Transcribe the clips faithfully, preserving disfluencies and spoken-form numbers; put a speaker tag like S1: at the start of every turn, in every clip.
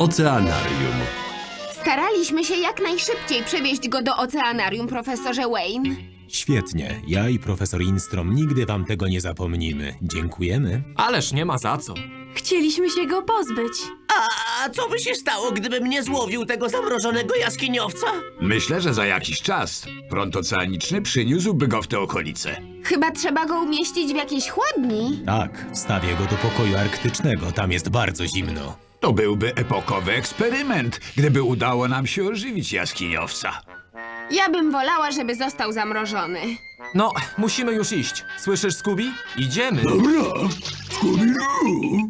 S1: Oceanarium.
S2: Staraliśmy się jak najszybciej przewieźć go do oceanarium, profesorze Wayne.
S3: Świetnie. Ja i profesor Instrom nigdy wam tego nie zapomnimy. Dziękujemy.
S4: Ależ nie ma za co.
S5: Chcieliśmy się go pozbyć.
S6: A co by się stało, gdybym nie złowił tego zamrożonego jaskiniowca?
S7: Myślę, że za jakiś czas prąd oceaniczny przyniósłby go w te okolice.
S2: Chyba trzeba go umieścić w jakiejś chłodni.
S3: Tak, wstawię go do pokoju arktycznego. Tam jest bardzo zimno.
S7: To byłby epokowy eksperyment, gdyby udało nam się ożywić jaskiniowca.
S2: Ja bym wolała, żeby został zamrożony.
S4: No, musimy już iść. Słyszysz, Scooby? Idziemy.
S7: Dobra, Scooby-Doo!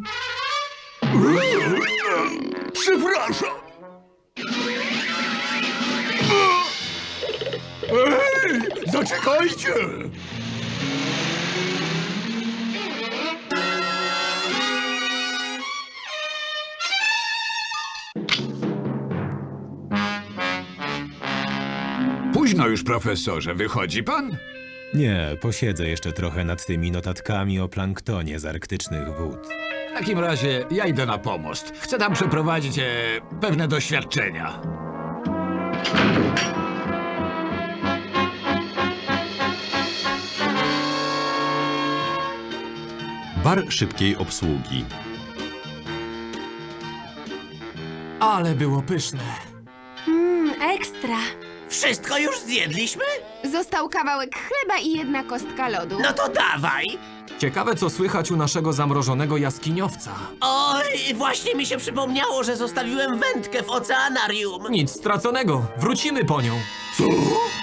S7: Przepraszam! Ej, zaczekajcie! Późno już, profesorze. Wychodzi pan?
S3: Nie, posiedzę jeszcze trochę nad tymi notatkami o planktonie z arktycznych wód.
S7: W takim razie ja idę na pomost. Chcę tam przeprowadzić e, pewne doświadczenia.
S1: Bar szybkiej obsługi.
S4: Ale było pyszne.
S5: Mmm, ekstra.
S6: Wszystko już zjedliśmy?
S2: Został kawałek chleba i jedna kostka lodu.
S6: No to dawaj!
S4: Ciekawe, co słychać u naszego zamrożonego jaskiniowca.
S6: Oj, właśnie mi się przypomniało, że zostawiłem wędkę w oceanarium.
S4: Nic straconego. Wrócimy po nią.
S7: Co?